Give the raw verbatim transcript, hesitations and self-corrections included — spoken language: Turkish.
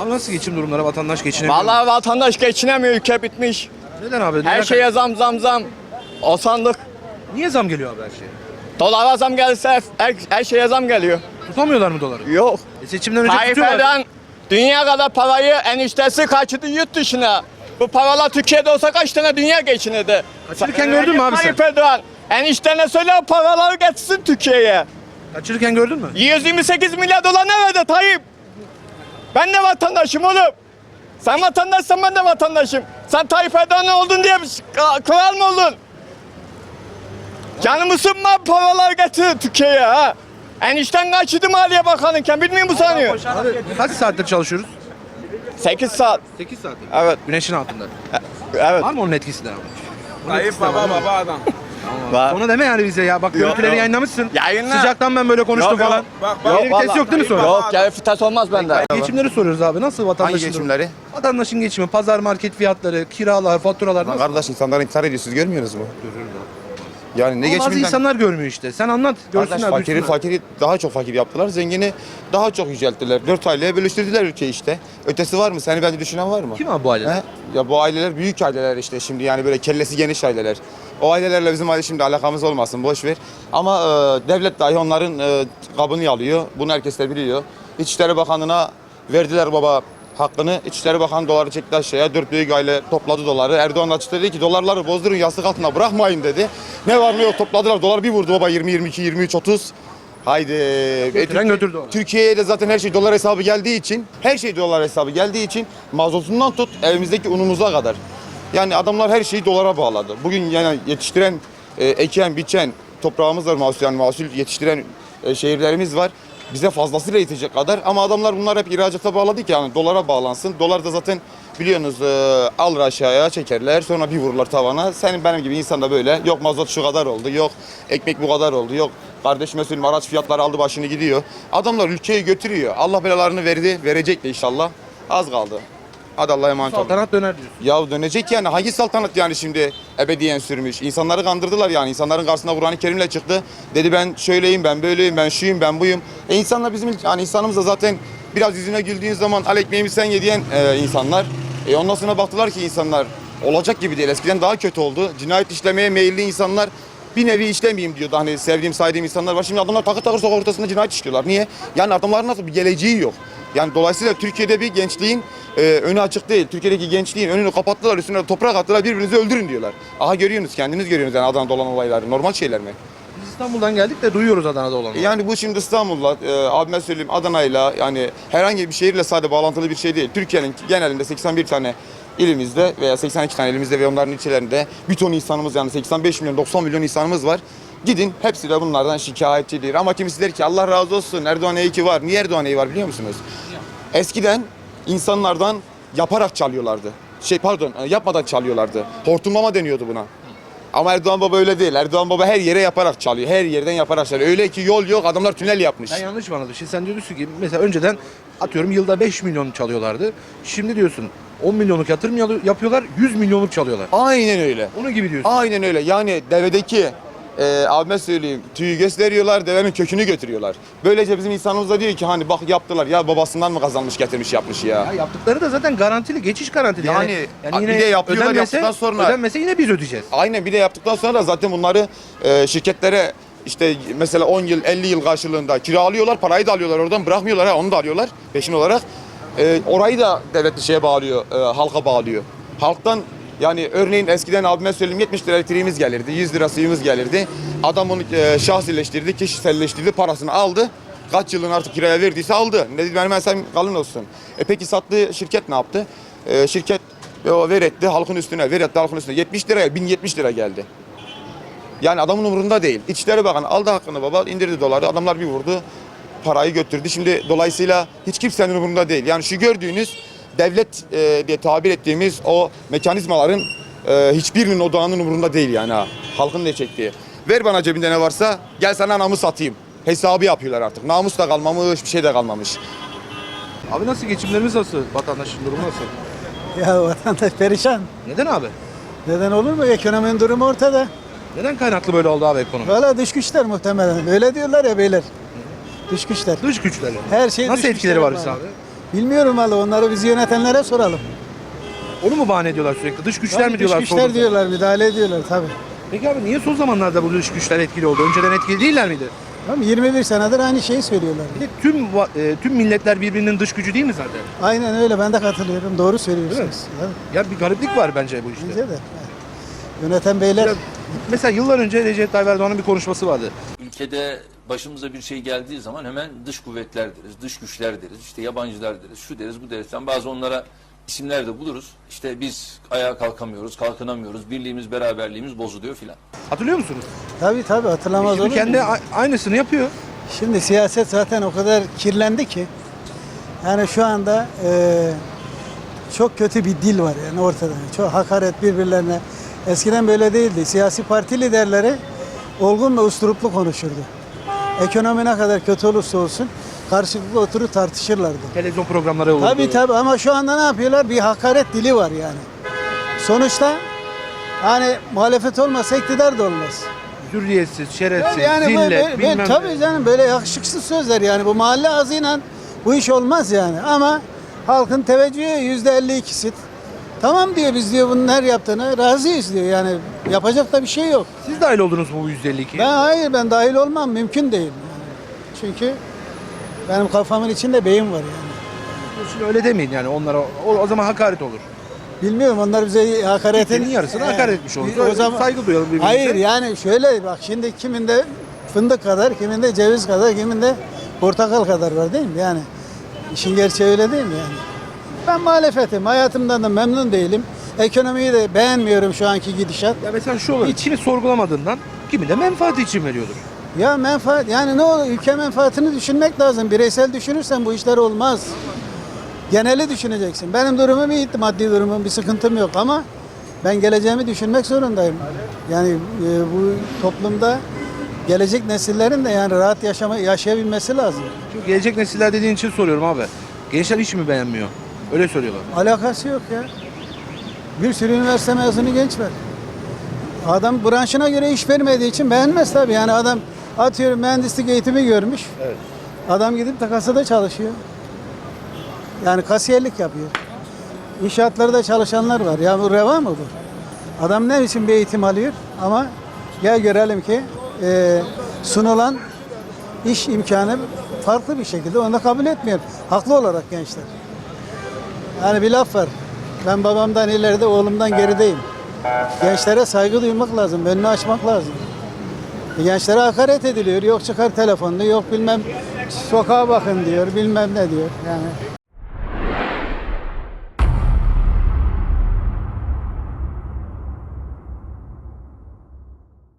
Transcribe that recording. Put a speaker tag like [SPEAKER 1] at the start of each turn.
[SPEAKER 1] Abi nasıl geçim durumları, vatandaş geçinemiyor mu?
[SPEAKER 2] Vallahi vatandaş geçinemiyor, ülke bitmiş.
[SPEAKER 1] Neden abi?
[SPEAKER 2] Her
[SPEAKER 1] Neden-
[SPEAKER 2] şeye zam zam zam. O sandık.
[SPEAKER 1] Niye zam geliyor abi her şeye?
[SPEAKER 2] Dolara zam gelse her, her şeye zam geliyor.
[SPEAKER 1] Tutamıyorlar mı doları?
[SPEAKER 2] Yok.
[SPEAKER 1] E seçimden önce
[SPEAKER 2] Tayyip
[SPEAKER 1] tutuyorlar.
[SPEAKER 2] Erdoğan dünya kadar parayı eniştesi kaçırdı yurt dışına. Bu paralar Türkiye'de olsa kaç tane dünya geçinirdi.
[SPEAKER 1] Kaçırırken gördün mü abi sen?
[SPEAKER 2] Tayyip Erdoğan eniştene söyle o paraları getirsin Türkiye'ye.
[SPEAKER 1] Kaçırırken gördün mü?
[SPEAKER 2] yüz yirmi sekiz milyar dolar ne verdi Tayyip? Ben de vatandaşım oğlum. Sen vatandaşsan ben de vatandaşım. Sen Tayyip Erdoğan oldun diye kral mı oldun? Canımı sıkma, paralar getir Türkiye'ye ha. Enişten kaçırdı Maliye Bakanı'yken bilmiyor musun sanıyor?
[SPEAKER 1] Abi kaç saattir çalışıyoruz?
[SPEAKER 2] sekiz saat.
[SPEAKER 1] sekiz saattir.
[SPEAKER 2] Evet.
[SPEAKER 1] Güneşin altında.
[SPEAKER 2] Evet.
[SPEAKER 1] Var mı onun etkisi de abi?
[SPEAKER 3] Tayyip baba baba adam.
[SPEAKER 2] Var.
[SPEAKER 1] Onu deme yani bize ya. Bak görüntüleri
[SPEAKER 2] yok.
[SPEAKER 1] yayınlamışsın.
[SPEAKER 2] Yayınla.
[SPEAKER 1] Sıcaktan ben böyle konuştum
[SPEAKER 2] Yok, yok.
[SPEAKER 1] falan.
[SPEAKER 3] Bak bak.
[SPEAKER 1] Geri vites yok değil mi sonra?
[SPEAKER 2] Yok gel vites olmaz bende.
[SPEAKER 1] Geçimleri soruyoruz abi. Nasıl vatandaşın
[SPEAKER 4] Hangi
[SPEAKER 1] durumu?
[SPEAKER 4] geçimleri?
[SPEAKER 1] Vatandaşın geçimi, pazar market fiyatları, kiralar, faturalar
[SPEAKER 4] Lan
[SPEAKER 1] nasıl?
[SPEAKER 4] kardeş insanlar intihar ediyor siz görmüyorsunuz mu? Yani ne
[SPEAKER 1] Ama bazı
[SPEAKER 4] geçiminden?
[SPEAKER 1] insanlar görmüyor işte. Sen anlat.
[SPEAKER 4] Kardeş
[SPEAKER 1] Görsünler,
[SPEAKER 4] fakiri
[SPEAKER 1] duysunlar.
[SPEAKER 4] fakiri daha çok fakir yaptılar. Zengini daha çok yücelttiler. Dört aileye bölüştürdüler ülkeyi işte. Ötesi var mı? Seni bence düşünen var mı?
[SPEAKER 1] Kim abi bu aileler?
[SPEAKER 4] He? Ya bu aileler büyük aileler işte şimdi yani böyle kellesi geniş aileler. O ailelerle bizim aile şimdi alakamız olmasın boş ver. Ama e, devlet dahi onların e, kabını alıyor. Bunu herkes de biliyor. İçişleri Bakanlığı'na verdiler baba hakkını. İçişleri Bakanı doları çekti aşağıya. Dört büyük aile topladı doları. Erdoğan açıkladı dedi ki dolarları bozdurun yastık altına bırakmayın dedi. Ne var ne yok topladılar. Dolar bir vurdu baba yirmi, yirmi iki, yirmi üç, otuz. Haydi. E,
[SPEAKER 1] Götüren götürdü onu.
[SPEAKER 4] Türkiye'ye de zaten her şey dolar hesabı geldiği için, her şey dolar hesabı geldiği için mazotundan tut evimizdeki unumuza kadar. Yani adamlar her şeyi dolara bağladı. Bugün yani yetiştiren, e, eken, biçen toprağımız var, mahsul, yani mahsul yetiştiren e, şehirlerimiz var. Bize fazlasıyla yetecek kadar ama adamlar bunlar hep ihracata bağladı ki yani dolara bağlansın. Dolar da zaten biliyorsunuz e, alır aşağıya çekerler sonra bir vururlar tavana. Senin benim gibi insan da böyle yok mazot şu kadar oldu, yok ekmek bu kadar oldu, yok kardeşime söyleyeyim araç fiyatları aldı başını gidiyor. Adamlar ülkeyi götürüyor. Allah belalarını verdi, verecek de inşallah. Az kaldı. Hadi Allah'a emanet olun.
[SPEAKER 1] Saltanat döner diyorsun.
[SPEAKER 4] Ya dönecek yani hangi saltanat yani şimdi ebediyen sürmüş. İnsanları kandırdılar yani. İnsanların karşısına Kur'an-ı Kerim'le çıktı. Dedi ben şöyleyim, ben böyleyim, ben şuyum, ben buyum. E insanlar bizim yani insanımız da zaten biraz yüzüne güldüğün zaman al ekmeğimi sen ye diyen e, insanlar. E ondan sonra baktılar ki insanlar olacak gibi değil. Eskiden daha kötü oldu. Cinayet işlemeye meyilli insanlar bir nevi işlemeyeyim diyordu. Hani sevdiğim, saydığım insanlar var. Şimdi adamlar takır takır sokak ortasında cinayet işliyorlar. Niye? Yani adamların nasıl bir geleceği yok. Yani dolayısıyla Türkiye'de bir gençliğin e, önü açık değil. Türkiye'deki gençliğin önünü kapattılar, üstüne de toprak attılar, birbirinizi öldürün diyorlar. Aha görüyorsunuz, kendiniz görüyorsunuz yani Adana'da olan olayları. Normal şeyler mi?
[SPEAKER 1] Biz İstanbul'dan geldik de duyuyoruz Adana'da olanı.
[SPEAKER 4] Yani bu şimdi İstanbul'la, e, abime söyleyeyim Adana'yla yani herhangi bir şehirle sadece bağlantılı bir şey değil. Türkiye'nin genelinde seksen bir tane ilimizde veya seksen iki tane ilimizde ve onların ilçelerinde bir ton insanımız yani seksen beş milyon doksan milyon insanımız var. Gidin hepsi de bunlardan şikayetçidir. Ama kimisi der ki Allah razı olsun Erdoğan iyi ki var. Niye Erdoğan iyi var biliyor musunuz? Eskiden insanlardan yaparak çalıyorlardı. Şey pardon yapmadan çalıyorlardı. Hortumlama deniyordu buna. Ama Erdoğan Baba öyle değil. Erdoğan Baba her yere yaparak çalıyor. Her yerden yaparak çalıyor. Öyle ki yol yok adamlar tünel yapmış.
[SPEAKER 1] Ben yanlış mı anladım? Şimdi sen diyorsun ki mesela önceden atıyorum yılda beş milyon çalıyorlardı. Şimdi diyorsun on milyonluk yatırım yalı- yapıyorlar, yüz milyonluk çalıyorlar.
[SPEAKER 4] Aynen öyle.
[SPEAKER 1] Onun gibi diyorsun.
[SPEAKER 4] Aynen öyle. Yani devedeki e, abime söyleyeyim tüyü gösteriyorlar, devenin kökünü götürüyorlar. Böylece bizim insanımız da diyor ki hani bak yaptılar ya babasından mı kazanmış getirmiş yapmış ya.
[SPEAKER 1] Ya yaptıkları da zaten garantili, geçiş garantili.
[SPEAKER 4] Yani, bir de yapıyorlar,
[SPEAKER 1] ödenmese-
[SPEAKER 4] yaptıktan sonra-
[SPEAKER 1] ödenmese yine biz ödeyeceğiz.
[SPEAKER 4] Aynen bir de yaptıktan sonra da zaten bunları e, şirketlere işte mesela on yıl elli yıl karşılığında kiralıyorlar, parayı da alıyorlar oradan bırakmıyorlar ha onu da alıyorlar peşin olarak. E, orayı da devlet bir şeye bağlıyor, e, halka bağlıyor. Halktan yani örneğin eskiden abime söyleyeyim yetmiş lira elektriğimiz gelirdi, yüz lira suyumuz gelirdi. Adam onu e, şahsileştirdi, kişiselleştirdi, parasını aldı. Kaç yılın artık kiraya verdiyse aldı. Ne dedi benim mesela kalın olsun. E peki sattığı şirket ne yaptı? E, şirket o ver etti halkın üstüne, ver etti halkın üstüne. yetmiş liraya bin yetmiş lira geldi. Yani adamın umurunda değil. İçişleri Bakanı aldı hakkını baba, indirdi doları. Adamlar bir vurdu, parayı götürdü. Şimdi dolayısıyla hiç kimsenin umurunda değil. Yani şu gördüğünüz devlet e, diye tabir ettiğimiz o mekanizmaların e, hiçbirinin odağının umurunda değil yani ha. Halkın ne çektiği. Ver bana cebinde ne varsa, gel sana namus satayım. Hesabı yapıyorlar artık. Namus da kalmamış, bir şey de kalmamış.
[SPEAKER 1] Abi nasıl geçimlerimiz nasıl? Vatandaşın durumu nasıl?
[SPEAKER 5] Ya vatandaş perişan.
[SPEAKER 1] Neden abi?
[SPEAKER 5] Neden olur mu? Ekonominin durumu ortada.
[SPEAKER 1] Neden kaynaklı böyle oldu abi ekonomi?
[SPEAKER 5] Valla dış güçler muhtemelen. Öyle diyorlar ya beyler. Dış güçler.
[SPEAKER 1] Dış güçlerle.
[SPEAKER 5] Her şey
[SPEAKER 1] Nasıl
[SPEAKER 5] dış
[SPEAKER 1] etkileri
[SPEAKER 5] güçler
[SPEAKER 1] var bize abi?
[SPEAKER 5] Bilmiyorum valla, onları biz yönetenlere soralım.
[SPEAKER 1] Onu mu bahane ediyorlar sürekli? Dış güçler
[SPEAKER 5] Tabii
[SPEAKER 1] mi diyorlar?
[SPEAKER 5] dış güçler
[SPEAKER 1] sorduğunuzda?
[SPEAKER 5] diyorlar, müdahale ediyorlar tabii.
[SPEAKER 1] Peki abi niye son zamanlarda bu dış güçler etkili oldu? Önceden etkili değiller miydi?
[SPEAKER 5] Tamam, yirmi bir senedir aynı şeyi söylüyorlar.
[SPEAKER 1] Bir de tüm va- e, tüm milletler birbirinin dış gücü değil mi zaten?
[SPEAKER 5] Aynen öyle, ben de katılıyorum. Doğru söylüyorsunuz. Tabii,
[SPEAKER 1] Ya bir gariplik var bence bu işte.
[SPEAKER 5] bence de. Yöneten beyler
[SPEAKER 1] Ya, mesela yıllar önce Recep Tayyip Erdoğan'ın bir konuşması vardı.
[SPEAKER 6] Ülkede başımıza bir şey geldiği zaman hemen dış kuvvetler deriz, dış güçler deriz, işte yabancılar deriz, şu deriz, bu deriz. Yani bazı onlara isimler de buluruz. İşte biz ayağa kalkamıyoruz, kalkınamıyoruz, birliğimiz, beraberliğimiz bozuluyor filan.
[SPEAKER 1] Hatırlıyor musunuz?
[SPEAKER 5] tabii tabii hatırlamaz
[SPEAKER 1] Şimdi
[SPEAKER 5] olur
[SPEAKER 1] kendi
[SPEAKER 5] mu?
[SPEAKER 1] a- aynısını yapıyor.
[SPEAKER 5] Şimdi siyaset zaten o kadar kirlendi ki, yani şu anda e, çok kötü bir dil var yani ortada. Çok hakaret birbirlerine. Eskiden böyle değildi. Siyasi parti liderleri olgun ve usturuplu konuşurdu. Ekonomi ne kadar kötü olursa olsun karşılıklı oturup tartışırlardı.
[SPEAKER 1] Televizyon programları oldu.
[SPEAKER 5] Tabii tabii, ama şu anda ne yapıyorlar? Bir hakaret dili var yani. Sonuçta hani muhalefet olmasa iktidar da olmaz.
[SPEAKER 1] Hürriyetsiz, şerefsiz,
[SPEAKER 5] Tabii yani
[SPEAKER 1] zillet,
[SPEAKER 5] böyle,
[SPEAKER 1] bilmem
[SPEAKER 5] böyle,
[SPEAKER 1] ne.
[SPEAKER 5] tabii canım, böyle yakışıksız sözler yani, bu mahalle ağzıyla bu iş olmaz yani, ama halkın teveccühü yüzde elli ikisi. Tamam diyor, biz diyor bunun her yaptığını razıyız diyor, yani yapacak da bir şey yok.
[SPEAKER 1] Siz dahil oldunuz mu bu yüzde elli ikiye?
[SPEAKER 5] Ben hayır, ben dahil olmam, mümkün değil yani. Çünkü benim kafamın içinde beyin var yani.
[SPEAKER 1] Şimdi öyle demeyin yani onlara. O, o zaman hakaret olur.
[SPEAKER 5] Bilmiyorum, onlar bize hakaretin
[SPEAKER 1] Ülkenin yarısına hakaret etmiş olur.
[SPEAKER 5] O zaman
[SPEAKER 1] Saygı duyalım birbirimize.
[SPEAKER 5] hayır yani şöyle bak, şimdi kiminde fındık kadar, kiminde ceviz kadar, kiminde portakal kadar var değil mi? Yani işin gerçeği öyle değil mi yani? Ben muhalefetim, hayatımdan da memnun değilim. Ekonomiyi de beğenmiyorum şu anki gidişat.
[SPEAKER 1] Ya mesela şu olur. İçini sorgulamadığından kimi de menfaati için veriyordur.
[SPEAKER 5] Ya menfaat, yani ne olur, ülke menfaatini düşünmek lazım. Bireysel düşünürsen bu işler olmaz. Geneli düşüneceksin. Benim durumum iyi, maddi durumum, bir sıkıntım yok, ama ben geleceğimi düşünmek zorundayım. Yani e, bu toplumda gelecek nesillerin de yani rahat yaşama, yaşayabilmesi lazım.
[SPEAKER 1] Çünkü gelecek nesiller dediğin için soruyorum abi. Gençler hiç mi beğenmiyor? Öyle söylüyorlar.
[SPEAKER 5] Alakası yok ya. Bir sürü üniversite mezunu genç var. Adam branşına göre iş vermediği için beğenmez tabii. Yani adam atıyorum mühendislik eğitimi görmüş.
[SPEAKER 1] Evet.
[SPEAKER 5] Adam gidip de kasada çalışıyor. Yani kasiyerlik yapıyor. İnşaatlarda çalışanlar var. Ya bu reva mı bu? Adam ne için bir eğitim alıyor, ama gel görelim ki e, sunulan iş imkanı farklı bir şekilde, onu da kabul etmiyor. Haklı olarak gençler. Yani bir laf var. Ben babamdan ileride, oğlumdan gerideyim. Gençlere saygı duymak lazım, önünü açmak lazım. E, gençlere hakaret ediliyor. Yok çıkar telefonunu, yok bilmem sokağa bakın diyor, bilmem ne diyor. Yani